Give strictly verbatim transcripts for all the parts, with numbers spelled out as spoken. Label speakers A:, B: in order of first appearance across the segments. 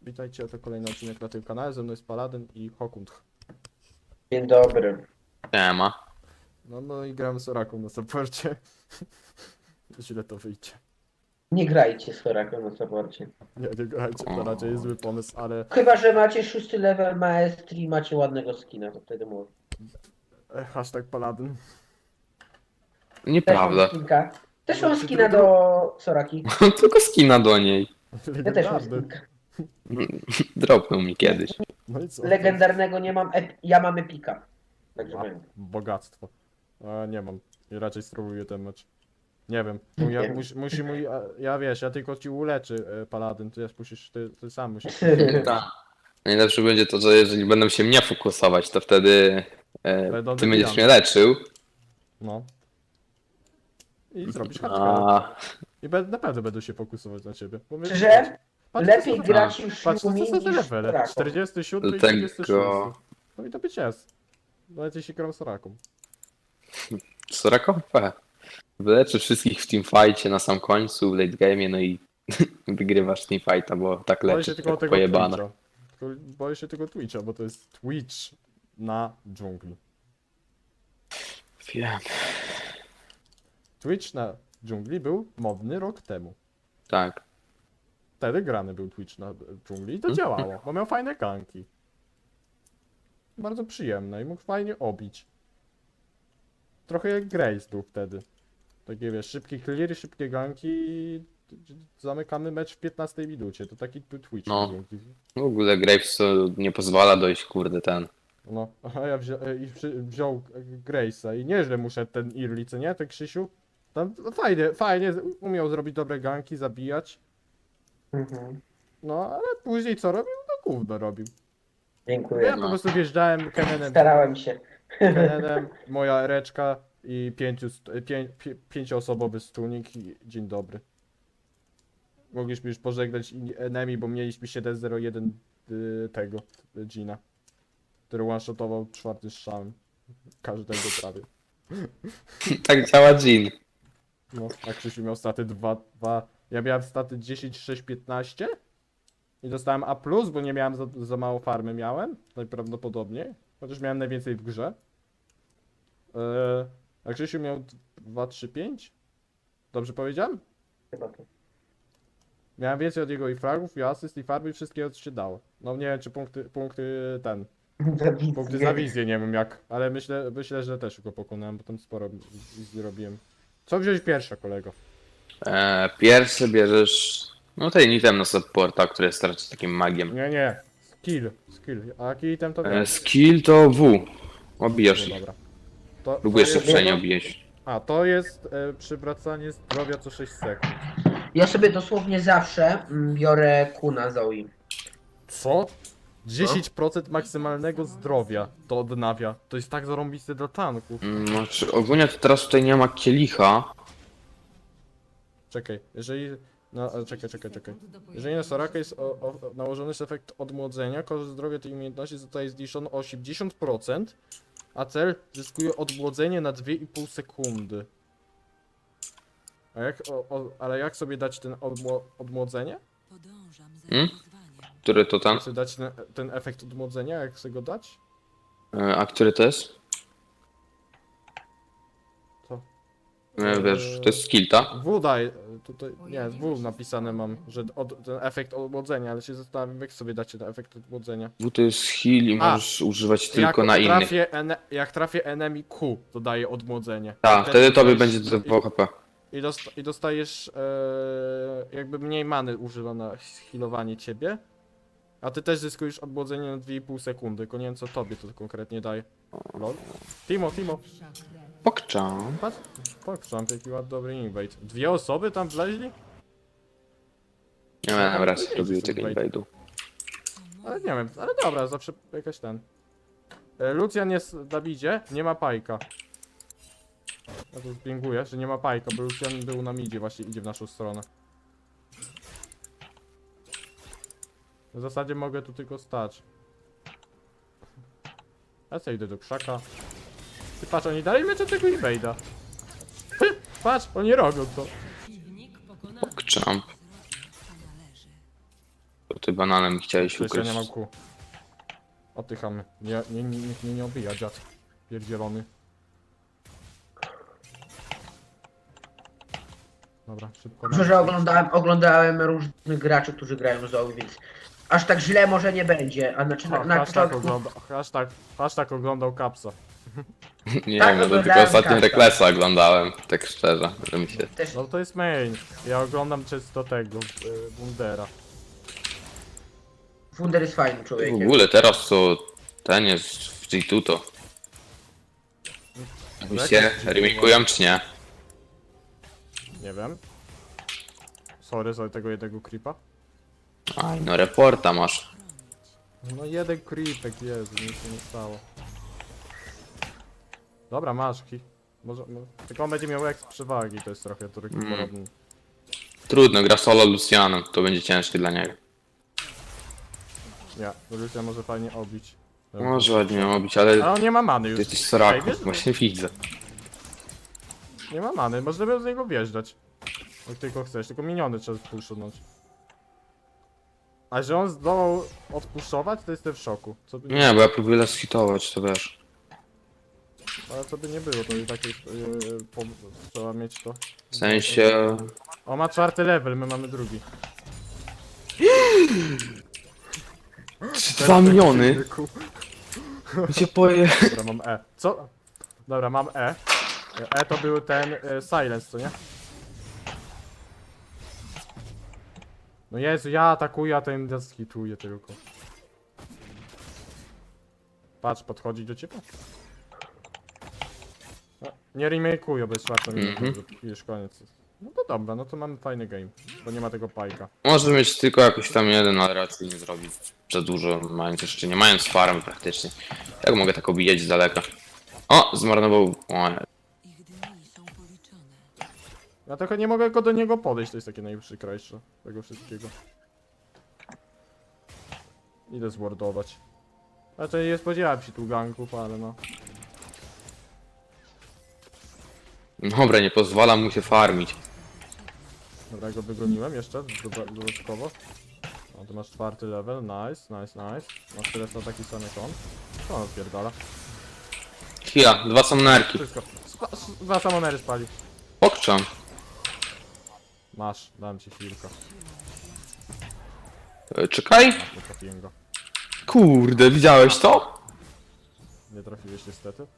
A: Witajcie, to kolejny odcinek na tym kanale, ze mną jest Paladyn i Hokund.
B: Dzień dobry.
C: Nie ma.
A: No, no i gramy z Oraką na supporcie. Źle to wyjdzie.
B: Nie grajcie z Horaką na saporcie.
A: Nie, nie grajcie, to raczej jest zły pomysł, ale
B: Chyba, że macie szósty level maestrii i macie ładnego skina, to wtedy mówię.
A: e, hashtag Paladyn.
B: Też mam
C: Nieprawda.
B: skinka. Też
A: No,
B: mam
A: czy
B: skina
A: drugi-
B: do Soraki.
C: Tylko skina do niej.
B: Ja też mam
A: Legendarny.
B: skinka.
C: Dropnął mi kiedyś.
A: No i co?
B: Legendarnego nie mam, ep- ja mam epika. Także
A: A,
B: wiem.
A: bogactwo. A, nie mam. I raczej spróbuję ten mecz. Nie wiem. Mój, ja,
B: Nie.
A: musi, musi mój, a, ja wiesz, ja tylko ci uleczy e, Paladyn, ty, musisz, ty, ty sam musisz.
C: Tak. Najlepsze będzie to, że jeżeli będą się mnie fokusować, to wtedy e,
A: Będą
C: ty będziesz
A: wybijane.
C: mnie leczył.
A: No. I zrobisz hardcore.
C: A
A: I be, naprawdę będę się fokusować na ciebie. Bo my-
B: Że
A: patrz,
B: lepiej
A: co za-
B: grać już
A: Patrz, co
B: Yumi
A: to za
B: niż
A: levele?
B: Soraką.
A: czterdziesty siódmy i
C: Dlatego-
A: trzydziesty szósty. No i to być jest. Nawet jeśli gram Soraką.
C: Sorakowe. Wyleczy wszystkich w teamfightie na sam końcu, w late game'ie, no i wygrywasz teamfighta, bo tak
A: Boję
C: leczy,
A: się tylko
C: tak
A: tego
C: pojebane.
A: Twitcha. Tylko boję się tego Twitcha, bo to jest Twitch na dżungli.
C: Wiem.
A: Twitch na dżungli był modny rok temu.
C: Tak.
A: Wtedy grany był Twitch na dżungli i to
C: Mhm.
A: działało, bo miał fajne ganki. Bardzo przyjemne i mógł fajnie obić. Trochę jak Grace był wtedy. Takie wiesz, szybkie cleary, szybkie ganki i zamykamy mecz w piętnastej minucie. To taki był Twitch
C: No.
A: na dżungli.
C: W ogóle Graves to nie pozwala dojść, kurde, ten.
A: No, a ja wzią, i przy, wziął Grace'a i nieźle muszę ten Early, co nie, ten Krzysiu? Tam no, fajnie, fajnie, umiał zrobić dobre ganki, zabijać.
B: Mhm.
A: No, ale później co robił? No gówno robił.
B: Dziękuję.
A: Ja po
C: No.
A: prostu wjeżdżałem Kenenem,
B: Starałem się.
A: Kenenem, moja ereczka i pięciu, st- pię, pię, pięcioosobowy stunik i dzień dobry. Mogliśmy już pożegnać i- enemy, bo mieliśmy siedem zero jeden y, tego, y, Gina, który one-shotował czwarty strzałem. Każdego prawie.
C: Tak działa Jean.
A: No, a Krzysiu miał staty dwa, dwa. Ja miałem staty dziesięć, sześć, piętnaście i dostałem A plus, bo nie miałem za, za mało farmy miałem, najprawdopodobniej. Chociaż miałem najwięcej w grze. Eee, a Krzysiu miał dwa, trzy, pięć? Dobrze powiedziałem?
B: Chyba to.
A: Miałem więcej od jego i fragów, i asyst, i farmy, i wszystkiego co się dało. No nie wiem czy punkty, punkty ten, punkty za wizję nie wiem jak, ale myślę, myślę, że też go pokonałem, bo tam sporo wizji robiłem. Co wziąć pierwsze, kolego?
C: E, pierwszy bierzesz, no ten item na supporta, który jest raczej takim magiem.
A: Nie, nie. Skill, skill. A jaki item to
C: E,
A: wiem?
C: skill to W. Obijasz
A: No
C: ich.
A: dobra. To,
C: Lub
A: to
C: jeszcze
A: jest-
C: przejnie obijesz.
A: A, to jest e, przywracanie zdrowia co sześć sekund.
B: Ja sobie dosłownie zawsze mm, biorę kuna Zoe.
A: Co? dziesięć procent maksymalnego zdrowia to odnawia. To jest tak zarąbiste dla tanków.
C: Mm, Znaczy, ogólnie to teraz tutaj nie ma kielicha.
A: Czekaj, jeżeli... No, ale czekaj, czekaj, czekaj. Jeżeli na Soraka jest o, o, nałożony jest efekt odmłodzenia, koszt zdrowia tej umiejętności zostaje zniszczony o osiemdziesiąt procent, a cel zyskuje odmłodzenie na dwie i pół sekundy. A jak, o, o, ale jak sobie dać ten odmło, odmłodzenie?
D: Podążam za
C: Hmm?
D: wyzwaniem.
C: Który to ten?
A: Jak sobie dać ten, ten efekt odmłodzenia, jak sobie go dać?
C: E, A który to jest?
A: Co?
C: E, Wiesz, to jest skill, tak?
A: W daj, tutaj, nie, W napisane mam, że od, ten efekt odmłodzenia, ale się zastanawiam, jak sobie dacie ten efekt odmłodzenia.
C: W to jest heal i
A: A,
C: możesz używać tylko
A: jak
C: na innych.
A: trafię ene, jak trafię enemy Q, to daje odmłodzenie.
C: Tak,
A: I
C: wtedy tobie
A: dostajesz-
C: będzie do dwa H P.
A: I, dosta, i dostajesz e, jakby mniej many używa na healowanie ciebie. A ty też zyskujesz odmłodzenie na dwie i pół sekundy, tylko nie wiem co tobie to konkretnie daje. Lol. Timo, Timo,
C: Pokczam.
A: patrz, pokrzam, jaki ładny dobry invade. Dwie osoby tam wleźli?
C: Nie miałem raz
A: to nie
C: robił
A: jest
C: tego
A: invade.
C: invade'u.
A: Ale nie wiem, ale dobra, zawsze jakaś ten. E, Lucian jest na midzie, nie ma pajka. Ja tu zbinguję, że nie ma pajka, bo Lucian był na midzie, właśnie idzie w naszą stronę. W zasadzie mogę tu tylko stać. Ja sobie idę do krzaka. Ty patrz, oni dalej meczą tego invade'a. Patrz, oni robią to.
D: Przeciwnik pokonany.
C: Pokczam.
D: Zrobię, co należy.
C: ty bananem chciałeś
A: Przecież ja
C: ukryć.
A: nie mam kół. Oddychamy. Nie, nie, nie, nikt mnie nie obija, dziad. Pierdzielony. Dobra, szybko.
B: Dobrze, że oglądałem, oglądałem różnych graczy, którzy grają z Zoe, więc aż tak źle może nie będzie. A znaczy na,
A: Ha,
B: na
A: hashtag,
B: początku...
A: ogląda, hashtag, hashtag oglądał kapsa.
C: Nie
B: Tak,
C: wiem, no to tylko
B: oglądałem
C: ostatnio
B: Kafka.
C: Reklesa oglądałem, tak szczerze, że mi się...
B: Też
A: No to jest main. Ja oglądam często tego, y, Bundera.
B: Wunder jest fajnym
C: W
B: człowiekiem.
C: ogóle teraz to ten jest w G two to. Myślicie, remakują czy nie?
A: Nie wiem. Sorry za tego jednego creepa.
C: Aj, no reporta masz.
A: No jeden creepek, Jezu, nic się nie stało. Dobra, masz ki. Może, mo- tylko on będzie miał exp przewagi, to jest trochę turki
C: Mm.
A: podobny.
C: Trudno, gra solo Lucianem, to będzie ciężkie dla niego.
A: Nie, Lucia może fajnie obić.
C: Może ładnie miał być,
A: Ale
C: ale
A: on nie ma many
C: ty
A: już.
C: jesteś
A: Ej,
C: Soraku,
A: wiesz,
C: właśnie widzę.
A: Nie ma many, możemy z niego wjeżdżać. Jak tylko chcesz, tylko miniony trzeba puszczać. A że on zdołał odpuszczować, to jestem w szoku. Co by
C: Nie, bo ja próbuję las hitować, to wiesz.
A: Ale co by nie było, to i tak jest, yy, po, trzeba mieć to.
C: W sensie...
A: O, ma czwarty level, my mamy drugi.
C: Dwa miliony? Gdzie poje...
A: Dobra, mam E. Co? Dobra, mam E. E to był ten e, silence, co nie? No Jezu, ja atakuję, a ten nas hituje tylko. Patrz, podchodzi do ciebie. No, nie remake'uję, bo jest czwarta minuta,
C: Mhm.
A: już koniec. No to dobra, no to mamy fajny game, bo nie ma tego pajka.
C: Może mieć tylko jakoś tam jeden, ale raczej nie zrobić za dużo, mając jeszcze nie mając farm praktycznie. Jak mogę tak obijać z daleka? O, zmarnował... O, nie.
D: Ich dni są policzone.
A: Ja tylko nie mogę go do niego podejść, to jest takie najprzykrajsze tego wszystkiego. Idę zwardować. Znaczy nie spodziewałem się tu ganków, ale no.
C: Dobra, nie pozwalam mu się farmić.
A: Dobra, go wygoniłem jeszcze doda- dodatkowo. No, tu masz czwarty level, nice, nice, nice. Masz tyle na taki sam jak on. Co on odpierdala?
C: Chwila, dwa summonerki.
A: Wszystko. Spa s- dwa samonery spali.
C: Pokczam.
A: Masz, dam ci chwilkę.
C: E, Czekaj.
A: Nie trafiłem go.
C: Kurde, widziałeś to?
A: Nie trafiłeś niestety.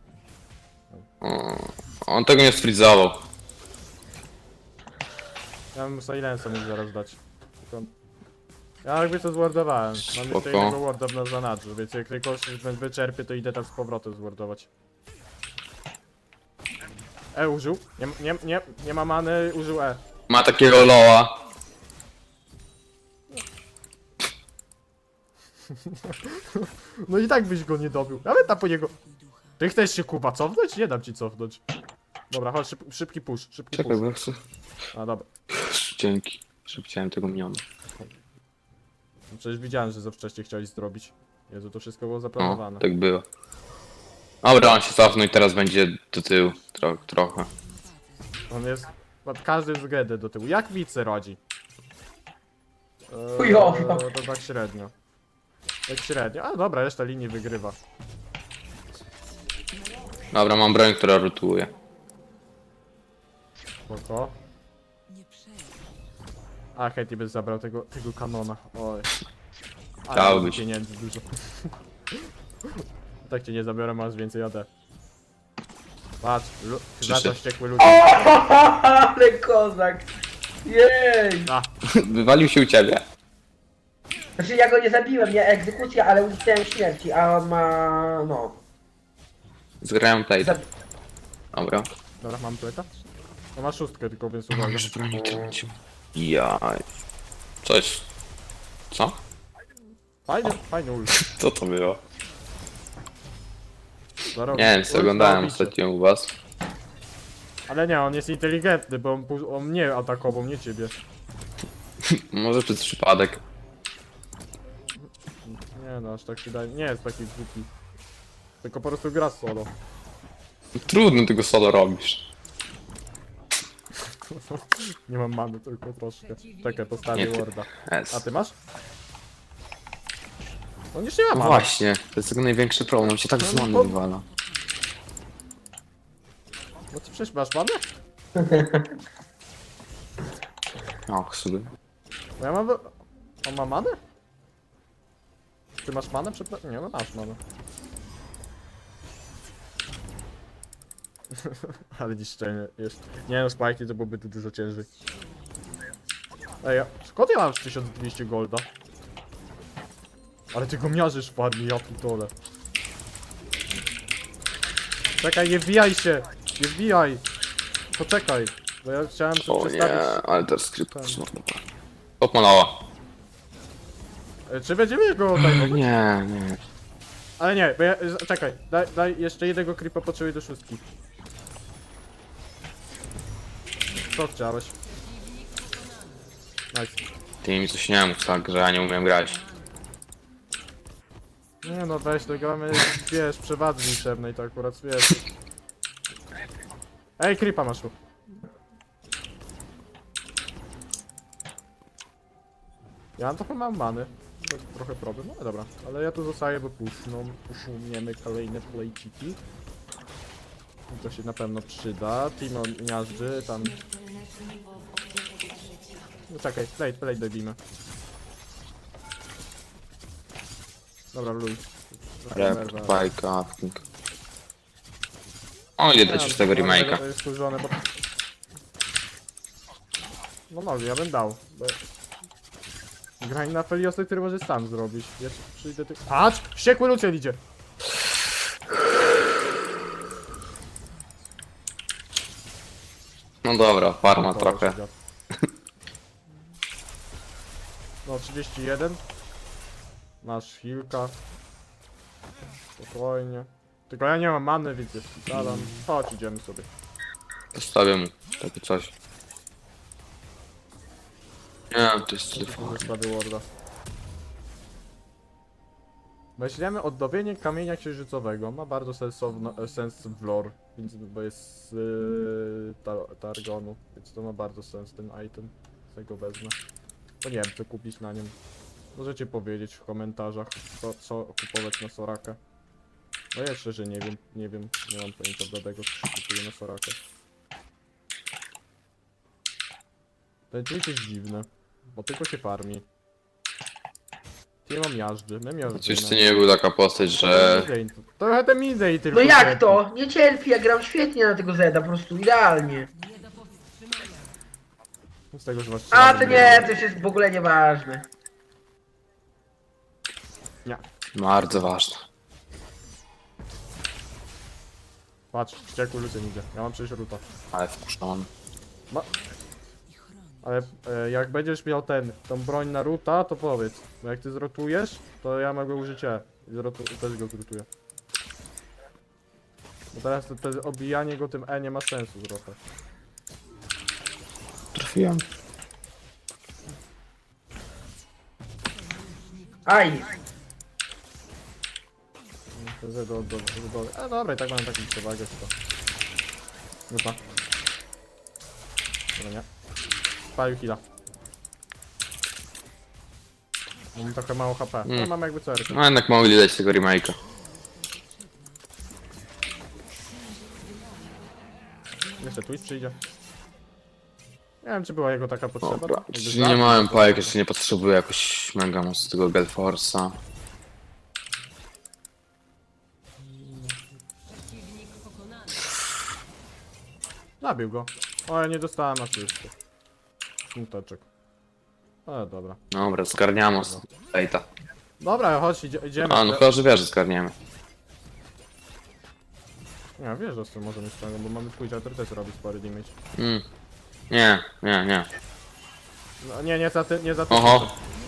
C: O, on tego nie sfrizował.
A: Ja bym silensa mógł zaraz dać. Tylko... Ja jakby to zwardowałem. Mam
C: Spoko.
A: jeszcze jednego warda w zanadrzu, więc jak tylko się wyczerpię, to idę tam z powrotem zwardować. E użył. Nie, nie, nie, nie ma many, użył E.
C: Ma takiego loa.
A: No i tak byś go nie dobił. Nawet tam po niego. Ty chcesz się Kuba cofnąć? Nie dam ci cofnąć. Dobra, chodź, szyb, szybki push, szybki
C: Czekaj,
A: push.
C: bo ja chcę...
A: A dobra.
C: Dzięki. Szybciałem tego miniona.
A: No przecież widziałem, że za wcześnie chciałeś zrobić. Jezu, to wszystko było
C: O,
A: zaplanowane.
C: tak było. Dobra, on się cofnął i teraz będzie do tyłu. Tro trochę.
A: On jest pod każdym względem do tyłu. Jak wice rodzi? Eee,
B: Chujowo.
A: to tak średnio. Tak średnio. A dobra, reszta linii wygrywa.
C: Dobra, mam broń, która rotuje.
A: Spoko.
D: Nie przejmuj.
A: A, Katie by zabrał tego, tego kanona. Oj. Ale
C: Dałbyś.
A: mam pieniędzy dużo. Tak cię nie zabiorę, masz więcej A D. Patrz, lu- za to
C: Przyszedł.
A: wściekły ludzie.
B: Ale kozak! Jej!
A: A,
C: Wywalił się u ciebie.
B: Znaczy ja go nie zabiłem, nie egzekucja, ale uniknąłem śmierci, a on ma... no...
C: Zgrałem play.
B: Zab...
C: Dobra.
A: dobra, mam pleta. On ma szóstkę tylko, więc uwaga.
C: Już broni trącił. Jaj. Coś. Co?
A: Fajny, fajny ult.
C: Co to było?
A: Zarobił.
C: Nie wiem, co
A: Ult
C: oglądałem
A: na bicie.
C: ostatnio u was.
A: Ale nie, on jest inteligentny, bo on, pu- on mnie atakował, nie ciebie.
C: Może przez przypadek.
A: Nie no, aż tak się daje. Nie jest taki głupi. Tylko po prostu gra solo.
C: Trudno tego solo robisz.
A: Nie mam many, tylko troszkę. Czekaj, postawię
C: Nie, ty-
A: warda. A
C: S.
A: ty masz? On już nie ma
C: No
A: mana.
C: właśnie, to jest tego największy problem, on się tak z many
A: bo-
C: wywala.
A: No ty przecież masz manę?
C: Och, sobie.
A: No ja mam... On ma manę? Ty masz manę? Przepra- nie, no masz manę. Ale niszczenie jest. Nie no, Spikey to byłoby tu dużo ciężej. Ej, ja... skąd ja mam tysiąc dwieście golda? Ale ty go miażysz w farmie, ja pitole. Czekaj, nie wbijaj się! Nie wbijaj! Poczekaj, bo ja chciałem sobie
C: O nie,
A: przestawić...
C: ale teraz skrypt
A: Ten.
C: zmarnowałem. Top malała.
A: E, Czy będziemy go odejmować?
C: Nie, nie.
A: Ale nie, bo ja... z- czekaj, daj, daj jeszcze jednego creepa potrzebuję do szóstki. Co chciałeś? Nice.
C: Ty mi coś nie mów tak, że ja nie umiem grać.
A: Nie no weź, to gramy, wiesz, przewadzy liczebnej, to akurat wiesz. Ej, creepa masz tu. Ja mam trochę mam many. To jest trochę problem, no ale dobra. Ale ja tu zostaję, bo puszną, puszuniemy kolejne playciki. I to się na pewno przyda. Timo miażdży, tam... No czekaj, plate, plate dobijmy. Dobra, luj.
C: Rep, bajka, afking. O, ile dać już tego remake'a?
A: To jest skurzone, bo... No no, ja bym dał. Bo... Graj na Feliosy, który możesz sam zrobić. Ja ci przyjdę ty... Patrz! Wściekły luciel idzie!
C: No dobra, farma
A: O,
C: trochę.
A: się dziad. No, trzydzieści jeden. Masz healka. Spokojnie. Tylko ja nie mam many, więc jest zadam. Chodź, idziemy sobie.
C: Zostawię mu takie coś. Nie, to jest telefon.
A: Zostawił Warda. Weźmiemy odnowienie kamienia księżycowego. Ma bardzo sensowno, e, sens w lore, więc, bo jest z yy, tar Targonu, więc to ma bardzo sens ten item. Z go wezmę. Bo nie wiem co kupić na nim. Możecie powiedzieć w komentarzach co, co kupować na Sorakę. No ja szczerze nie wiem, nie wiem, nie mam pojęcia bladego co się kupuje na Sorakę. Ten tweet jest dziwny, bo tylko się farmi. Ty mam miażdży, my miażdżymy.
C: Przecież to nie był taka postać, że...
A: Trochę te midej tylko.
B: No jak
A: cierpi.
B: to? Nie cierpi, ja gram świetnie na tego Zeda, po prostu idealnie.
A: Z tego, że masz
B: A
A: trzy
B: to nie, to już jest w ogóle nieważne.
A: Nie.
C: Bardzo ważna.
A: Patrz, wściekły Lucyn idzie. Ja mam przecież ruta.
C: Ale wkurzony.
A: Ale e, jak będziesz miał ten, tą broń na ruta, to powiedz. Bo jak ty zrotujesz, to ja mogę użyć E. I zrotu też go zrutuję. Bo teraz to, to obijanie go tym E nie ma sensu trochę.
C: Trafiłem.
B: Aj,
A: To Z do, do, do, do. A dobra, i tak mam taką przewagę, to. Ruta. Dobra, nie. Spalił heala. Mam trochę mało H P, ale
C: Mm.
A: mam jakby C R.
C: No jednak mogli dać tego remake'a.
A: Jeszcze Twitch przyjdzie. Nie wiem, czy była jego taka potrzeba.
C: Dobra,
A: Jakby
C: czyli
A: znał,
C: nie miałem
A: to-
C: pajek, jeszcze nie potrzebuję jakoś mega mocno tego Gelforce'a.
A: Zabił go. O, ja nie dostałem asysty. Smuteczek. Ale dobra.
C: Dobra, zgarniamy Ejta.
A: Dobra, chodź, idzie, idziemy.
C: A, no chyba, że wiesz, że zgarniemy.
A: Nie, wiesz, że z tym możemy ściągnąć, bo mamy twój autorytet robić spory damage.
C: Mm. Nie, nie, nie.
A: No, nie, nie za ty, nie za ty.
C: Oho.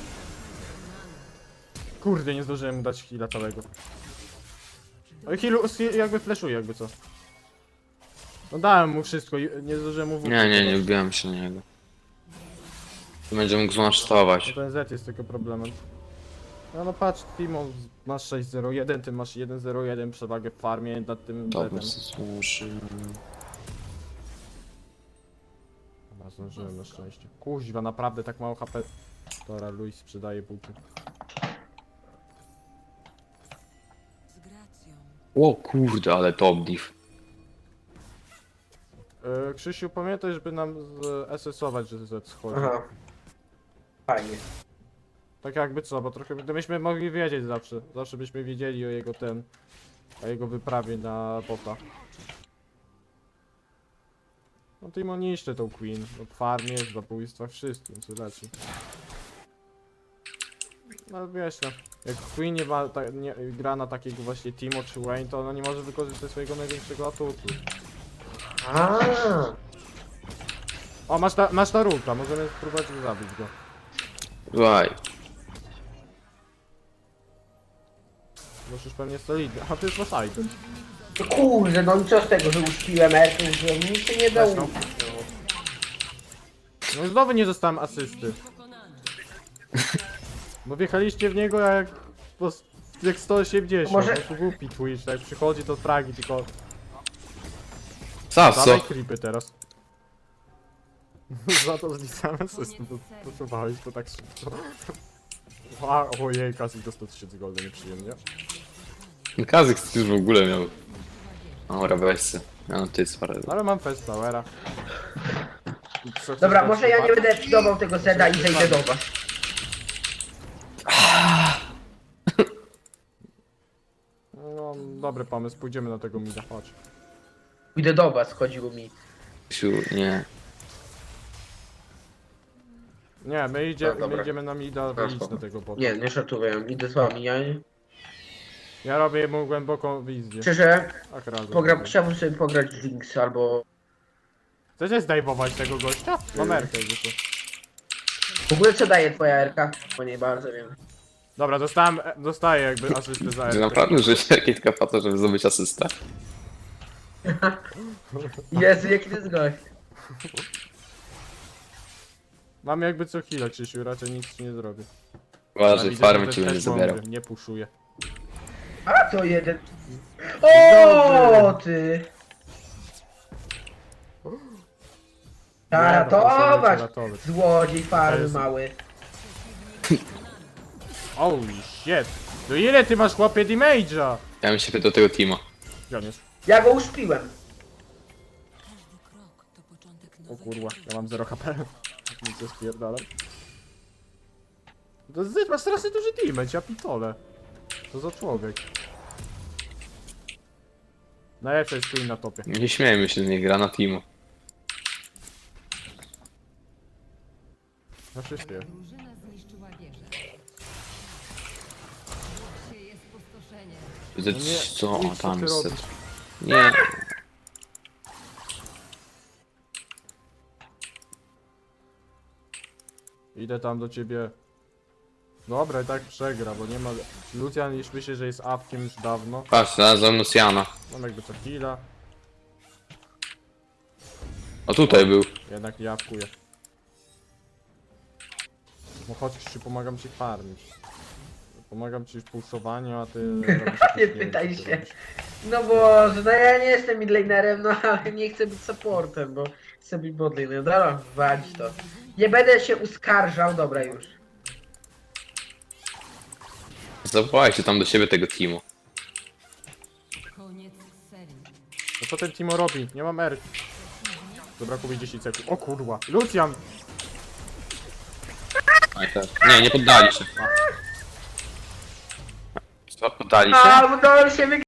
A: Kurde, nie zdążyłem mu dać heala całego. O, healu, heal, jakby flashuje, jakby co. No dałem mu wszystko, i nie zdążyłem mu w
C: Nie, nie, nie wbiłem się na niego. Tu będzie mógł
A: No
C: zmasztować.
A: ten Z jest tylko problemem. No no patrz, Timo, masz sześć zero jeden, ty masz jeden zero jeden przewagę w farmie nad tym
C: Dobra,
A: Z-em.
C: służy.
A: Dobra, zdążyłem na szczęście. Kuźwa, naprawdę tak mało H P. Dobra, Luis sprzedaje buty.
C: O kurde, ale top div.
A: Yy, Krzysiu, pamiętaj, żeby nam z S S ować, że Z schodzi.
B: Aha. Fajnie.
A: Tak jakby co, bo trochę gdybyśmy mogli wiedzieć zawsze. Zawsze byśmy wiedzieli o jego ten... O jego wyprawie na bota. No Timo niszczy tą Queen. No w farmie, w zabójstwach, wszystkim, co leci. No wiesz no, jak Queen nie, ma, ta, nie gra na takiego właśnie Timo czy Wayne, to ona nie może wykorzystać swojego największego atutu.
B: A.
A: O, masz, ta, masz Naruta, możemy spróbować zabić go.
C: Słuchaj.
A: Musisz pewnie solidny. A ty już masz item.
B: No kurde, no i co z tego, że uśpiłem Erkę, że nic się nie dało.
A: Weź no. No i znowu nie dostałem asysty. Bo wjechaliście w niego jak... Po, jak sto osiemdziesiąt.
B: Może-
A: No to głupi Twitch, jak przychodzi do fragi, tylko...
C: Sasso.
A: Dawaj creepy teraz. Za to zliczałem asystę, bo potrzebowałeś to tak szybko. A, ojej, Kasik do sto tysięcy golda, nieprzyjemnie.
C: Kazik już w ogóle miał. Dobra, weź se. No ty parę.
A: Ale mam Fest Towera. I co-
B: Dobra,
A: co-
B: może ja nie
A: co-
B: będę fidował tego Zeda i zejdę do was.
A: No, dobry pomysł, pójdziemy na tego mida, chodź.
B: Idę do was, chodziło mi.
C: Siu, nie.
A: Nie, my, idzie,
B: No, dobra.
A: my idziemy na mida, wyjść na tego bota.
B: Nie, nie szatuję, idę z wami, ja nie.
A: Ja robię mu głęboką wizję.
B: Szczerze,
A: Tak razem.
B: pogram, chciałbym sobie pograć z Jinx albo...
A: Chcecie zdejmować tego gościa? Mam Erkę jakby to.
B: W ogóle co daje twoja Erka? Bo nie bardzo wiem.
A: Dobra, dostałem, e, dostaję jakby asystę za
C: Czy
A: Erkę.
C: naprawdę użyłeś takiej kapata, żeby zdobyć asystę?
B: Jezu, jaki to jest gość.
A: Mam jakby co chwilę, Krzysiu, raczej nic ci nie zrobię.
C: Uważaj,
A: widzę,
C: farmy
A: że
C: ci
A: też
C: będzie
A: mądry,
C: zabierał.
A: Nie puszuję.
B: A to jeden. O ty!
A: Nie, no, proszę,
B: Ratować!
A: ratować.
B: Złodziej farmy
A: jest-
B: mały.
A: Holy shit! No ile ty masz chłopie damage'a?
C: Ja bym się pytał tego Timo.
A: Gdzie on jest?
B: Ja go uśpiłem.
D: Każdy krok to początek
A: O
D: nowego
A: kurwa,
D: życia.
A: ja mam zero H P. Nic nie spierdalam. To ty masz strasznie duży damage, ja pitole. Co za człowiek. Najlepszy jest Queen na topie.
C: Nie śmiejmy się z niej, gra na Timo.
A: Na wszystkie.
E: Drużyna zniszczyła wieżę. Sieje spustoszenie.
C: Widzę,
A: No nie,
C: co
A: idź,
C: o,
A: co
C: tam
A: ty
C: jest.
A: robisz?
C: Nie.
A: Idę tam do ciebie. Dobra, i tak przegra, bo nie ma... Lucian już myśli, że jest awkiem już dawno.
C: Patrz, znalazłem Luciana.
A: Mam jakby co chwila.
C: O, tutaj był.
A: Jednak nie awkuję. No chodź, Krzysiu, pomagam ci farmić. Pomagam ci w pulsowaniu, a ty... robisz jakieś-
B: Nie
A: wiem,
B: pytaj
A: co ty
B: się.
A: robisz.
B: No Boże, no ja nie jestem midlanerem, no ale nie chcę być supportem, bo chcę być botlane. Dobra, walić to. Nie będę się uskarżał, dobra już.
C: Zawołajcie tam do siebie tego Timo.
E: Koniec serii.
A: No co ten Timo robi? Nie mam R. Zabrakło mi dziesięć sekund. O kurwa! Lucian!
C: Aj, tak. Nie, nie poddali się. Co, poddali się?
B: A, udało się wygrać.